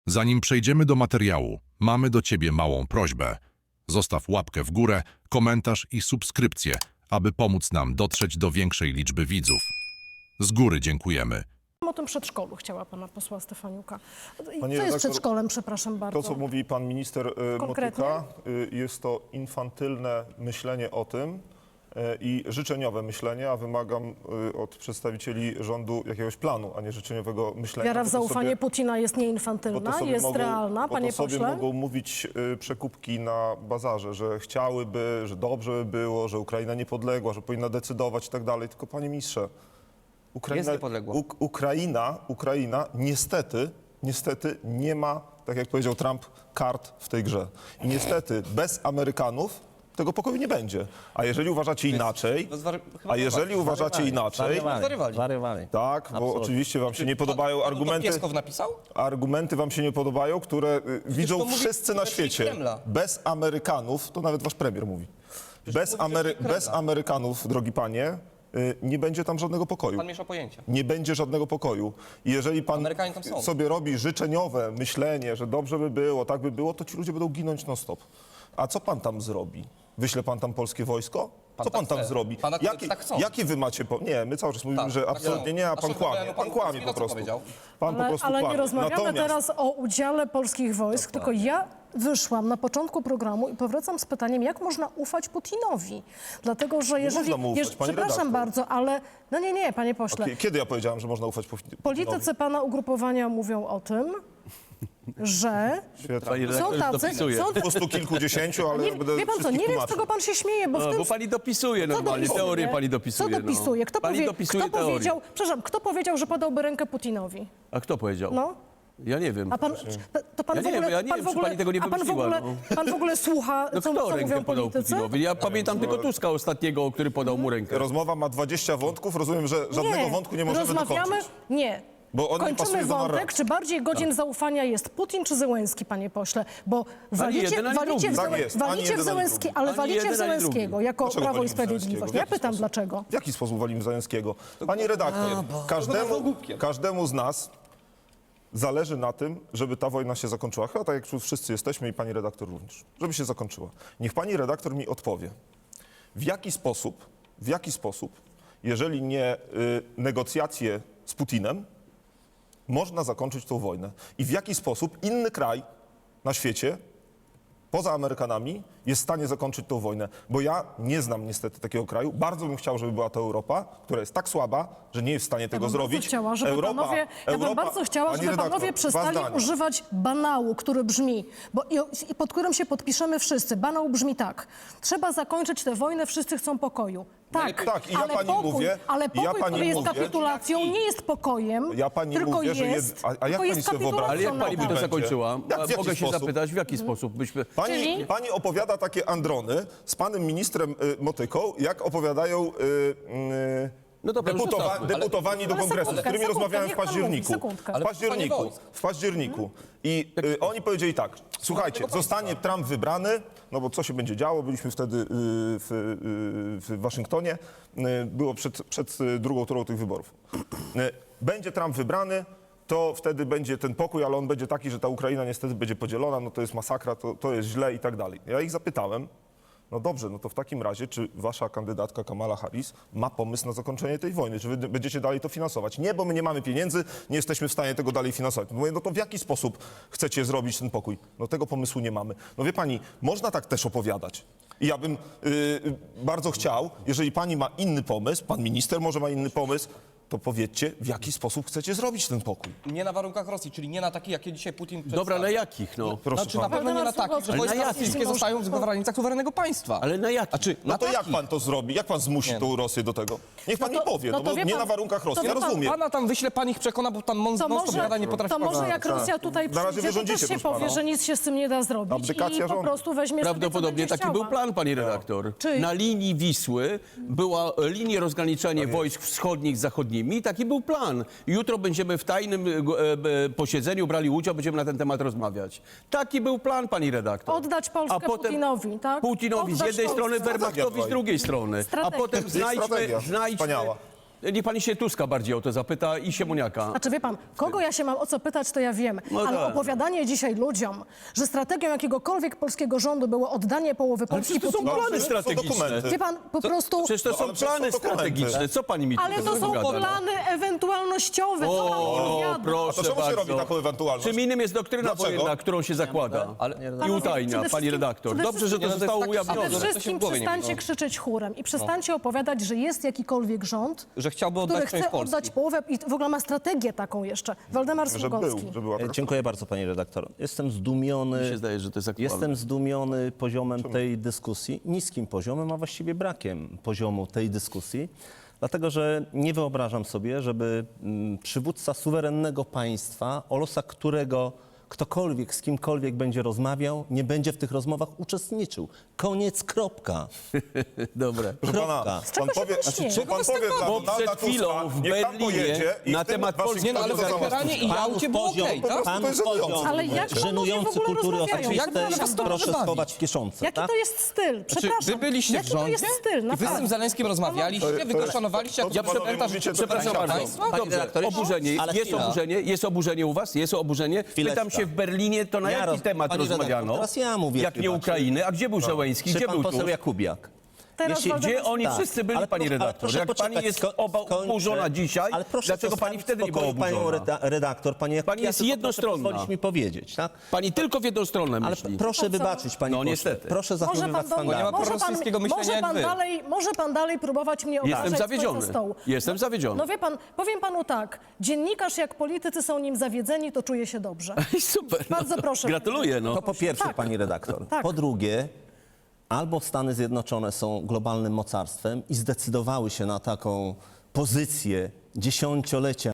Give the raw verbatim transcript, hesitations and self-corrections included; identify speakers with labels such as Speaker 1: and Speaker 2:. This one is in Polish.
Speaker 1: Zanim przejdziemy do materiału, mamy do Ciebie małą prośbę. Zostaw łapkę w górę, komentarz i subskrypcję, aby pomóc nam dotrzeć do większej liczby widzów. Z góry dziękujemy.
Speaker 2: O tym przedszkolu chciała pana posła Stefaniuka. Co
Speaker 3: Panie
Speaker 2: jest
Speaker 3: redaktor,
Speaker 2: przedszkolem, przepraszam bardzo?
Speaker 3: To, co mówi pan minister y,
Speaker 2: Konkretnie?
Speaker 3: Motyka, y, jest to infantylne myślenie o tym y, i życzeniowe myślenie, a wymagam y, od przedstawicieli rządu jakiegoś planu, a nie życzeniowego myślenia.
Speaker 2: Wiara w
Speaker 3: bo to
Speaker 2: zaufanie
Speaker 3: sobie-
Speaker 2: Putina jest
Speaker 3: bo to
Speaker 2: nieinfantylna,
Speaker 3: sobie
Speaker 2: jest
Speaker 3: mogą,
Speaker 2: realna,
Speaker 3: bo
Speaker 2: panie
Speaker 3: to sobie
Speaker 2: pośle.
Speaker 3: mogą mówić y, przekupki na bazarze, że chciałyby, że dobrze by było, że Ukraina niepodległa, że powinna decydować i tak dalej. Tylko panie ministrze, Ukraina,
Speaker 4: Jest niepodległa.
Speaker 3: Uk- Ukraina, Ukraina niestety, niestety nie ma, tak jak powiedział Trump, kart w tej grze. I niestety bez Amerykanów tego pokoju nie będzie. A jeżeli uważacie inaczej,
Speaker 4: to zwary- chyba
Speaker 3: a jeżeli
Speaker 4: zwariowali.
Speaker 3: uważacie inaczej,
Speaker 4: Zwariowali.
Speaker 5: Zwariowali.
Speaker 3: tak, bo
Speaker 5: Absolutnie.
Speaker 3: oczywiście wam się nie podobają
Speaker 4: To
Speaker 3: argumenty,
Speaker 4: Pieskow napisał?
Speaker 3: argumenty wam się nie podobają, które y, widzą
Speaker 4: to mówi
Speaker 3: wszyscy na
Speaker 4: rzecznik
Speaker 3: świecie.
Speaker 4: Kremla.
Speaker 3: Bez Amerykanów, to nawet wasz premier mówi, bez,
Speaker 4: mówi
Speaker 3: Amery-
Speaker 4: rzecznik
Speaker 3: bez
Speaker 4: Kremla.
Speaker 3: Amerykanów, drogi panie, y, nie będzie tam żadnego pokoju.
Speaker 4: Pan miesza pojęcia.
Speaker 3: Nie będzie żadnego pokoju. I jeżeli pan
Speaker 4: Amerykanie tam są.
Speaker 3: sobie robi życzeniowe myślenie, że dobrze by było, tak by było, to ci ludzie będą ginąć non stop. A co pan tam zrobi? Wyśle pan tam polskie wojsko?
Speaker 4: Pan
Speaker 3: Co pan
Speaker 4: tak
Speaker 3: tam
Speaker 4: chce.
Speaker 3: zrobimy?
Speaker 4: Pana koledzy tak chcą.
Speaker 3: Jaki wy macie... Po... Nie, my cały czas mówimy,
Speaker 4: Tak,
Speaker 3: że
Speaker 4: tak
Speaker 3: absolutnie
Speaker 4: chcą.
Speaker 3: nie, a
Speaker 4: A
Speaker 3: pan
Speaker 4: szef
Speaker 3: kłamie.
Speaker 4: wywiadu
Speaker 3: Pan
Speaker 4: pan
Speaker 3: kłamie
Speaker 4: Kurski
Speaker 3: po
Speaker 4: co
Speaker 3: prostu.
Speaker 4: powiedział?
Speaker 3: Pan po
Speaker 2: Ale,
Speaker 3: prostu
Speaker 2: ale nie
Speaker 3: kłamie.
Speaker 2: rozmawiamy
Speaker 3: Natomiast-
Speaker 2: teraz o udziale polskich wojsk, tylko ja wyszłam na początku programu i powracam z pytaniem, jak można ufać Putinowi? Dlatego, że jeżeli...
Speaker 3: można mu ufać,
Speaker 2: jeż-
Speaker 3: pani
Speaker 2: przepraszam
Speaker 3: redaktor.
Speaker 2: bardzo, ale... No nie, nie, panie pośle.
Speaker 3: Kie- Kiedy ja powiedziałem, że można ufać Putinowi?
Speaker 2: Politycy pana ugrupowania mówią o tym, że
Speaker 3: Świetnie.
Speaker 5: Pani
Speaker 2: są
Speaker 5: redaktor
Speaker 2: tacy...
Speaker 5: dopisuje.
Speaker 2: Są,
Speaker 3: Po stu kilkudziesięciu, ale
Speaker 2: nie,
Speaker 3: ja będę
Speaker 2: wie pan co,
Speaker 3: wszystkich
Speaker 2: nie wiem, z
Speaker 3: tłumaczył.
Speaker 2: czego pan się śmieje, bo w
Speaker 5: No,
Speaker 2: tym...
Speaker 5: bo pani dopisuje normalnie,
Speaker 2: dopisuje?
Speaker 5: teorię pani dopisuje.
Speaker 2: Co dopisuje? Kto,
Speaker 5: No. Pani
Speaker 2: powie,
Speaker 5: dopisuje
Speaker 2: kto
Speaker 5: teorię.
Speaker 2: powiedział... Przepraszam, kto powiedział, że podałby rękę Putinowi?
Speaker 5: A kto powiedział?
Speaker 2: No.
Speaker 5: Ja nie wiem.
Speaker 2: A pan, to pan
Speaker 5: Ja
Speaker 2: w
Speaker 5: nie
Speaker 2: ogóle,
Speaker 5: wiem, ja nie
Speaker 2: pan
Speaker 5: wiem,
Speaker 2: w
Speaker 5: czy
Speaker 2: ogóle,
Speaker 5: pani tego nie
Speaker 2: a pan w
Speaker 5: wymyśliła,
Speaker 2: ogóle,
Speaker 5: no.
Speaker 2: pan w ogóle słucha,
Speaker 5: No
Speaker 2: co,
Speaker 5: kto
Speaker 2: co
Speaker 5: rękę
Speaker 2: mówią
Speaker 5: podał
Speaker 2: politycy?
Speaker 5: Putinowi? Ja pamiętam tylko Tuska ostatniego, który podał mu rękę.
Speaker 3: Rozmowa ma dwadzieścia wątków, rozumiem, że żadnego wątku nie możemy
Speaker 2: rozmawiamy,
Speaker 3: dokończyć.
Speaker 2: nie.
Speaker 3: Bo on nie
Speaker 2: Kończymy
Speaker 3: pasuje do
Speaker 2: wątek,
Speaker 3: narracji.
Speaker 2: czy bardziej godzin zaufania jest Putin czy Zełenski, panie pośle? Bo walicie,
Speaker 5: jeden, ani
Speaker 2: walicie, w,
Speaker 5: drugi.
Speaker 3: Tak
Speaker 2: Zełe-
Speaker 3: jest, ani
Speaker 2: walicie w
Speaker 3: jeden, ani
Speaker 2: Zełenski,
Speaker 3: drugi.
Speaker 2: ale
Speaker 5: Ani
Speaker 2: walicie
Speaker 5: jeden,
Speaker 2: w
Speaker 5: ani
Speaker 2: Zełenskiego
Speaker 5: drugi.
Speaker 2: jako
Speaker 3: Dlaczego
Speaker 2: Prawo i
Speaker 3: walimy w
Speaker 2: Sprawiedliwość.
Speaker 3: Zełenskiego? W
Speaker 2: Ja
Speaker 3: jaki
Speaker 2: pytam
Speaker 3: sposób?
Speaker 2: dlaczego.
Speaker 3: W jaki sposób walimy Zająckiego? Panie redaktor, każdemu, każdemu z nas zależy na tym, żeby ta wojna się zakończyła. Chyba tak jak tu wszyscy jesteśmy i pani redaktor również. Żeby się zakończyła. Niech pani redaktor mi odpowie, w jaki sposób, w jaki sposób, jeżeli nie y, negocjacje z Putinem, można zakończyć tą wojnę. I w jaki sposób inny kraj na świecie, poza Amerykanami, jest w stanie zakończyć tą wojnę. Bo ja nie znam niestety takiego kraju. Bardzo bym chciał, żeby była to Europa, która jest tak słaba, że nie jest w stanie tego
Speaker 2: Ja bym
Speaker 3: zrobić.
Speaker 2: Bardzo chciała, żeby
Speaker 3: Europa,
Speaker 2: panowie, ja bym
Speaker 3: Europa,
Speaker 2: bardzo chciała,
Speaker 3: pani
Speaker 2: żeby
Speaker 3: redaktor,
Speaker 2: panowie
Speaker 3: dwa
Speaker 2: przestali
Speaker 3: zdania.
Speaker 2: używać banału, który brzmi, bo, i, i pod którym się podpiszemy wszyscy. Banał brzmi tak. Trzeba zakończyć tę wojnę, wszyscy chcą pokoju. Tak,
Speaker 3: Tak, i ja
Speaker 2: ale
Speaker 3: pani
Speaker 2: pokój,
Speaker 3: mówię-
Speaker 2: ale
Speaker 3: i
Speaker 2: pokój,
Speaker 3: ja pani
Speaker 2: który jest
Speaker 3: mówię-
Speaker 2: kapitulacją, nie jest pokojem,
Speaker 3: Ja pani
Speaker 2: tylko
Speaker 3: mówię, że
Speaker 2: jest,
Speaker 3: jed- a- a jak
Speaker 2: tylko
Speaker 3: pani
Speaker 2: jest
Speaker 3: sobie wyobraża-
Speaker 5: Ale jak
Speaker 2: kapitulacją
Speaker 5: pani by to
Speaker 2: NATO.
Speaker 3: będzie?
Speaker 5: zakończyła?
Speaker 3: Jak, w jaki
Speaker 5: Mogę się
Speaker 3: sposób?
Speaker 5: zapytać, w jaki sposób byśmy...
Speaker 3: Pani,
Speaker 2: Czyli?
Speaker 3: pani opowiada takie androny z panem ministrem y, Motyką, jak opowiadają y, y,
Speaker 5: No dobra, już
Speaker 3: deputowa-
Speaker 5: zostawmy.
Speaker 3: deputowani do
Speaker 2: Ale
Speaker 3: kongresu, z
Speaker 2: sekundkę,
Speaker 3: którymi
Speaker 2: sekundkę,
Speaker 3: rozmawiałem w
Speaker 2: niech pan mówi,
Speaker 3: październiku.
Speaker 2: sekundkę.
Speaker 3: W
Speaker 4: Ale
Speaker 3: październiku.
Speaker 4: panie wojsk.
Speaker 3: W październiku. I y, oni powiedzieli tak, słuchajcie, zostanie Trump wybrany, no bo co się będzie działo, byliśmy wtedy y, w, y, w Waszyngtonie, y, było przed, przed y, drugą turą tych wyborów. Y, będzie Trump wybrany, to wtedy będzie ten pokój, ale on będzie taki, że ta Ukraina niestety będzie podzielona, no to jest masakra, to, to jest źle i tak dalej. Ja ich zapytałem, no dobrze, no to w takim razie, czy wasza kandydatka Kamala Harris ma pomysł na zakończenie tej wojny? Czy wy będziecie dalej to finansować? Nie, bo my nie mamy pieniędzy, nie jesteśmy w stanie tego dalej finansować. Mówię, no to w jaki sposób chcecie zrobić ten pokój? No tego pomysłu nie mamy. No wie pani, można tak też opowiadać. I ja bym yy, bardzo chciał, jeżeli pani ma inny pomysł, pan minister może ma inny pomysł, to powiedzcie, w jaki sposób chcecie zrobić ten pokój.
Speaker 4: Nie na warunkach Rosji, czyli nie na takich, jakie dzisiaj Putin
Speaker 5: Dobra,
Speaker 4: przedstawia.
Speaker 5: na jakich, no?
Speaker 3: Proszę
Speaker 4: Znaczy na
Speaker 3: pana.
Speaker 4: pewno nie na takich, że
Speaker 5: Ale
Speaker 4: wojska
Speaker 5: na jakich?
Speaker 4: rosyjskie zostają w granicach suwerennego państwa.
Speaker 5: Ale na jakich?
Speaker 4: A czy
Speaker 3: No
Speaker 4: na
Speaker 3: to jak
Speaker 4: takich?
Speaker 3: pan to zrobi? Jak pan zmusi
Speaker 4: Nie.
Speaker 3: tą Rosję do tego? Niech pan
Speaker 2: No to-
Speaker 3: mi powie,
Speaker 2: no
Speaker 3: no,
Speaker 2: to
Speaker 3: bo
Speaker 2: wie
Speaker 3: nie
Speaker 2: pan-
Speaker 3: na warunkach Rosji,
Speaker 2: to
Speaker 3: ja
Speaker 2: wie pan-
Speaker 3: rozumiem.
Speaker 4: Pana tam wyśle, pan ich przekona, bo tam mon,
Speaker 2: To
Speaker 4: non-stop
Speaker 2: może,
Speaker 4: gada, nie potrafi
Speaker 2: to może
Speaker 4: pana-
Speaker 2: jak Rosja tutaj
Speaker 3: Na razie
Speaker 2: przyjdzie, to
Speaker 3: wyrządzicie,
Speaker 2: też się
Speaker 3: proszę
Speaker 2: powie,
Speaker 3: pana.
Speaker 2: że nic się z tym nie da zrobić
Speaker 3: Abdykacja
Speaker 2: i po
Speaker 3: rządu.
Speaker 2: prostu weźmie sobie, co
Speaker 5: Prawdopodobnie
Speaker 2: będzie
Speaker 5: taki
Speaker 2: chciała.
Speaker 5: był plan, pani redaktor.
Speaker 2: Czy-
Speaker 5: Na linii Wisły była e, linia rozgraniczenia wojsk wschodnich z zachodnimi i taki był plan. Jutro będziemy w tajnym e, e, posiedzeniu brali udział, będziemy na ten temat rozmawiać. Taki był plan, pani redaktor.
Speaker 2: Oddać Polskę
Speaker 5: A potem
Speaker 2: Putinowi, tak?
Speaker 5: Putinowi z
Speaker 2: Oddać
Speaker 5: jednej
Speaker 2: Polskę.
Speaker 5: strony, Wehrmachtowi z drugiej strony. A
Speaker 2: Strategia.
Speaker 5: potem
Speaker 3: Jest
Speaker 5: znajdźmy,
Speaker 3: strategia.
Speaker 5: znajdźmy,
Speaker 3: Wspaniała.
Speaker 5: Niech pani się Tuska bardziej o to zapyta i Siemoniaka.
Speaker 2: Znaczy, wie pan, kogo ja się mam o co pytać, to ja wiem.
Speaker 5: No
Speaker 2: Ale
Speaker 5: tak.
Speaker 2: opowiadanie dzisiaj ludziom, że strategią jakiegokolwiek polskiego rządu było oddanie połowy
Speaker 5: Ale
Speaker 2: Polski
Speaker 5: przecież to są
Speaker 2: Putinowi.
Speaker 5: plany
Speaker 3: są
Speaker 5: strategiczne.
Speaker 3: dokumenty.
Speaker 2: Wie pan, po prostu...
Speaker 5: Przecież to
Speaker 3: No,
Speaker 5: są
Speaker 3: ale przecież są
Speaker 5: plany
Speaker 3: dokumenty.
Speaker 5: strategiczne. Co pani mi
Speaker 2: Ale
Speaker 5: tu
Speaker 2: to są
Speaker 5: gada, no?
Speaker 2: plany ewentualnościowe. Co pan
Speaker 5: O,
Speaker 2: opowiada?
Speaker 5: proszę
Speaker 3: A to czemu się
Speaker 5: bardzo.
Speaker 3: robi taką ewentualność?
Speaker 5: Czym innym jest doktryna
Speaker 3: Dlaczego?
Speaker 5: wojenna, którą się zakłada
Speaker 4: Ale-
Speaker 5: i
Speaker 2: Panowie,
Speaker 5: utajnia,
Speaker 2: przede
Speaker 5: pani
Speaker 2: wszystkim-
Speaker 5: redaktor.
Speaker 2: przede
Speaker 5: Dobrze, że to
Speaker 4: wszystkim-
Speaker 5: zostało
Speaker 4: Nie, no to jest tak
Speaker 2: Przede
Speaker 5: ujawnione.
Speaker 4: samo, że to się
Speaker 2: wszystkim
Speaker 4: w głowie nie
Speaker 2: przestańcie
Speaker 4: mieści.
Speaker 2: krzyczeć chórem i przestańcie opowiadać, że jest jakikolwiek rząd,
Speaker 4: Że chciałby oddać
Speaker 2: który
Speaker 4: część
Speaker 2: chce
Speaker 4: Polski.
Speaker 2: oddać połowę i w ogóle ma strategię taką jeszcze. Waldemar
Speaker 3: Że
Speaker 2: Sługocki.
Speaker 3: był, że była
Speaker 6: E,
Speaker 3: taka...
Speaker 6: Dziękuję bardzo, panie redaktor. Jestem zdumiony.
Speaker 5: Mi się zdaje, że to jest aktualne.
Speaker 6: Jestem zdumiony poziomem tej dyskusji, niskim poziomem, a właściwie brakiem poziomu tej dyskusji, dlatego że nie wyobrażam sobie, żeby mm, przywódca suwerennego państwa, o losach którego ktokolwiek z kimkolwiek będzie rozmawiał, nie będzie w tych rozmowach uczestniczył. Koniec, kropka.
Speaker 5: Dobre.
Speaker 3: Proszę pana,
Speaker 6: Kropka.
Speaker 2: czego
Speaker 3: pan
Speaker 2: się
Speaker 3: powie,
Speaker 2: pan śmieje?
Speaker 3: co pan powie dla
Speaker 5: Bo
Speaker 3: Donalda
Speaker 5: przed chwilą
Speaker 3: Tuska,
Speaker 5: w
Speaker 3: niech tam
Speaker 5: Berlinie
Speaker 3: pojedzie i
Speaker 5: na
Speaker 3: w tym
Speaker 5: temat
Speaker 3: Waszyngtonie
Speaker 5: Polski-
Speaker 4: Nie, no ale w
Speaker 3: to załatwi.
Speaker 4: Teheranie i Jałcie było
Speaker 6: poziom,
Speaker 4: okej, tak?
Speaker 3: Po prostu to jest żenujące.
Speaker 2: Ale jak panowie w
Speaker 6: żenujący
Speaker 2: ogóle
Speaker 6: kultury
Speaker 2: rozmawiają? Jak
Speaker 6: oczywistej,
Speaker 2: można to
Speaker 6: proszę
Speaker 4: bawić?
Speaker 6: schować w kieszonce.
Speaker 2: Jaki
Speaker 6: tak?
Speaker 2: to jest styl? Przepraszam.
Speaker 4: Wy byliście
Speaker 2: Jaki
Speaker 4: w rządzie
Speaker 2: to jest styl?
Speaker 4: i wy z
Speaker 2: Naprawdę.
Speaker 4: tym Zelenskim rozmawialiście, wy go szanowaliście, jak
Speaker 3: to,
Speaker 4: ja
Speaker 3: co panowie
Speaker 4: pamiętam, że
Speaker 3: mówicie, to
Speaker 4: przepraszam
Speaker 3: tak
Speaker 4: państwa.
Speaker 5: Dobrze,
Speaker 6: redaktorze,
Speaker 5: oburzenie.
Speaker 6: ale
Speaker 5: Jest
Speaker 6: chwila.
Speaker 5: oburzenie, jest oburzenie u was? Jest oburzenie.
Speaker 6: Chwileczka.
Speaker 5: Pytam się w Berlinie, to na
Speaker 6: Ja
Speaker 5: jaki
Speaker 6: roz-
Speaker 5: temat
Speaker 6: Pani redaktor,
Speaker 5: rozmawiano?
Speaker 6: teraz ja mówię
Speaker 5: Jak nie
Speaker 6: chyba,
Speaker 5: Ukrainy, a gdzie był Zełenski?
Speaker 6: Czy
Speaker 5: Gdzie
Speaker 6: pan
Speaker 5: był
Speaker 6: poseł
Speaker 5: tu?
Speaker 6: Jakubiak?
Speaker 2: Teraz
Speaker 6: Jeśli-
Speaker 2: Waldemar-
Speaker 5: Gdzie oni
Speaker 6: Tak,
Speaker 5: wszyscy byli,
Speaker 6: ale
Speaker 5: pani
Speaker 6: pro- ale
Speaker 5: redaktor?
Speaker 6: proszę
Speaker 5: Jak pani
Speaker 6: poczekać,
Speaker 5: jest
Speaker 6: sko-
Speaker 5: oba
Speaker 6: skończę.
Speaker 5: oburzona dzisiaj,
Speaker 6: Ale proszę
Speaker 5: dlaczego
Speaker 6: zostawić
Speaker 5: pani wtedy nie była
Speaker 6: w spokoju panią
Speaker 5: oburzona?
Speaker 6: reda- redaktor, pani Jakubiak,
Speaker 5: Pani jest
Speaker 6: tylko
Speaker 5: jednostronna.
Speaker 6: Proszę pozwolić mi powiedzieć, tak?
Speaker 5: Pani tylko w jedną stronę
Speaker 6: Ale
Speaker 5: myśli.
Speaker 6: proszę wybaczyć, pani
Speaker 5: No,
Speaker 6: pośle.
Speaker 5: niestety.
Speaker 6: Proszę
Speaker 2: Może
Speaker 6: zachowywać
Speaker 2: pan, do,
Speaker 4: nie ma
Speaker 6: standardy.
Speaker 2: może pan,
Speaker 4: prorosyjskiego myślenia
Speaker 2: może
Speaker 4: jak
Speaker 2: pan
Speaker 4: wy.
Speaker 2: dalej, może pan dalej próbować mnie obrażać
Speaker 5: Jestem
Speaker 2: z końca
Speaker 5: zawiedziony.
Speaker 2: stołu.
Speaker 5: Jestem zawiedziony.
Speaker 2: No wie pan, powiem panu tak, dziennikarz jak politycy są nim zawiedzeni, to czuje się dobrze.
Speaker 5: Super.
Speaker 2: Bardzo
Speaker 5: no.
Speaker 2: proszę.
Speaker 5: Gratuluję. No.
Speaker 6: To po pierwsze,
Speaker 2: Tak.
Speaker 6: pani redaktor.
Speaker 2: Tak.
Speaker 6: Po drugie, albo Stany Zjednoczone są globalnym mocarstwem i zdecydowały się na taką pozycję dziesięciolecia